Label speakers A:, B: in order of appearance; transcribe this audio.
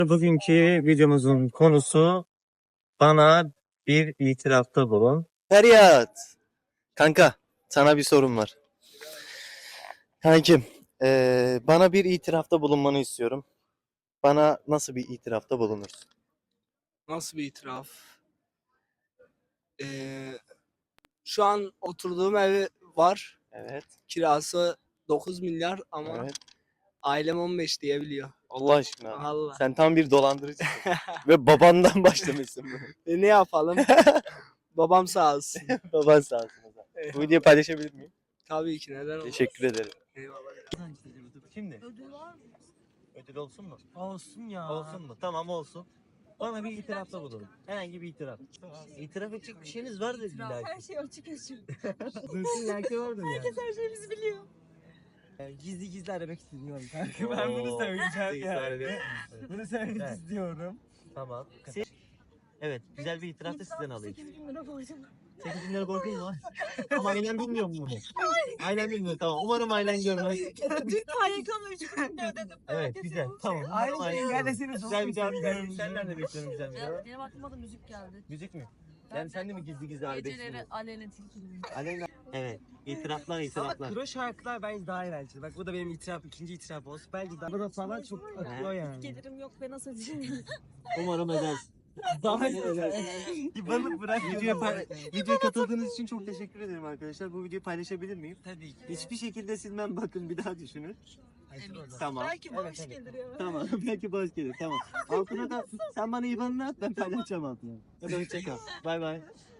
A: Bugünkü videomuzun konusu bana bir itirafta bulun.
B: Feryat. Kanka sana bir sorum var. Kankim bana bir itirafta bulunmanı istiyorum. Bana nasıl bir itirafta bulunursun?
C: Nasıl bir itiraf? Ee, Şu an oturduğum ev var.
B: Evet.
C: Kirası 9 milyar ama
B: Evet.
C: ailem 15 diyebiliyor.
B: Allah aşkına.
C: Vallahi.
B: Sen tam bir dolandırıcısın. Ve babandan başlamışsın bunu.
C: Ne yapalım? Babam sağ olsun.
B: Baban sağ olsun o zaman. Bu videoyu paylaşabilir miyim?
C: Tabii ki, neden olmaz?
B: Teşekkür ederim.
C: Eyvallah.
A: Şimdi
D: Ödül var mı?
A: ödül olsun mu?
D: Olsun ya.
A: Olsun mu? Tamam olsun. Bana bir itirafta bulun. Herhangi bir itiraf. İtiraf edecek bir şeyiniz vardır illa ki.
D: Her şey açık açık.
A: Mümkün belki vardır yani.
D: Herkes her şeyimizi biliyor.
E: Gizli gizli aramak istiyorum kanka.
A: Oo,
E: Ben bunu söyleyeceğim
A: iyi
E: yani.
A: söyledin.
E: Bunu söylemek
A: Evet.
E: istiyorum.
A: Tamam. Evet, güzel bir itiraf da sizden alayım.
D: 8 bin lira borcum.
A: 8 bin lira borcun var. Ama ailen bilmiyor mu bunu? Ailen bilmiyor, tamam. Umarım ailen görmez.
D: Dün KYK'nın 3 bin lira ödedim.
A: Evet, güzel. Tamam.
E: Aynı
A: Umarım
E: şeyi
A: ailen
E: gelmesini
A: görmez. Güzel bir cevap
E: çok
A: veriyorum. Senden de bekliyorum güzel bir cevap.
D: Benim aklıma da müzik geldi.
A: Müzik mi? Yani sen de mi gizli gizli arabesk
D: Geceleri
A: dinliyorsun?
D: aleyna tilkili.
A: Aleyna. Evet. İtiraflar,
E: Ama
A: itiraflar.
E: kro şarkılar bence daha eğlenceli. Bak bu da benim itiraf, ikinci itiraf olsun. Bence daha da falan çok akıyor yani.
D: Gelirim yok ve nasıl ödeyeceğim?
A: Umarım edersin.
E: Daha
A: İban'ı bırak. Videoya katıldığınız için çok teşekkür ederim arkadaşlar. Bu videoyu paylaşabilir miyim?
E: Tabii ki.
A: Hiçbir şekilde silmem, bakın bir daha düşünün.
D: Emin.
A: Tamam.
D: Belki bağış gelir ya.
A: Tamam. Belki bağış gelir. Tamam. Altına da sen bana IBAN'ını at, ben paylaşacağım altına. Hadi hoşça kal. Bay bay.